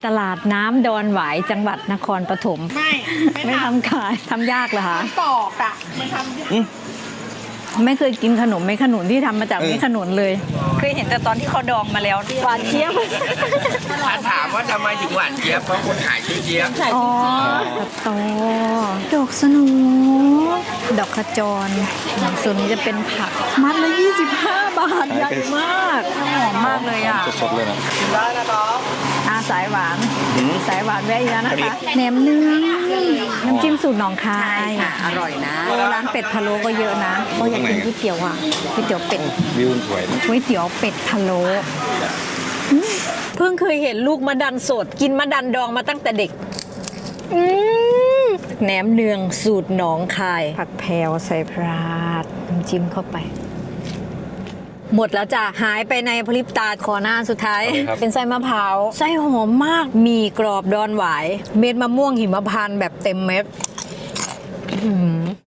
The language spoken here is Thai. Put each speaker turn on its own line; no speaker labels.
ตลาดน้ำดอนหวายจังหวัดนครปฐมไม่ทำขายทำยากเหรอคะ
ปอกอ่ะมันทำ
ไม่เคยกินขนมไม่ขนุนที่ทำมาจากไม่ขนุนเลยเคยเห็นแต่ตอนที่เขาดองมาแล้วหวานเจี๊ยบ
ถ้าถามว่าทำไมถึงหวานเจี๊ยบเพราะคนขายชื่อเจี๊ยบ
อ๋อตอดอกสโนูดอกขจรส่วนนี้จะเป็นผักมัดละ25 บาทใหญ่มากหอมมากเลยอ่ะ
สดๆเลยนะ
ได้นะครับ
สายหวานสายหวานแวะอีกแล้วนะคะแหนมเนื้อน้ำจิ้มสูตรหนองคาย
อร่อยนะ
ร้านเป็ดพะโล้ก็เยอะนะก็อยากกินก๋วยเตี๋ยวอ่ะก๋วยเตี๋ยวเป็ด
วิวสวยนะ
ก๋วยเตี๋ยวเป็ดพะโล้เพิ่งเคยเห็นลูกมะดันสดกินมะดันดองมาตั้งแต่เด็กแหนมเนืองสูตรหนองคายผักแพรวใส่พราดน้ำจิ้มเข้าไป หมดแล้วจ้ะหายไปในพริบตาขอหน้าสุดท้าย เป็นไส้มะพร้าวไส้หอมมากมีกรอบดอนหวาย เม็ดมะม่วงหิมพานต์แบบเต็มเม็ด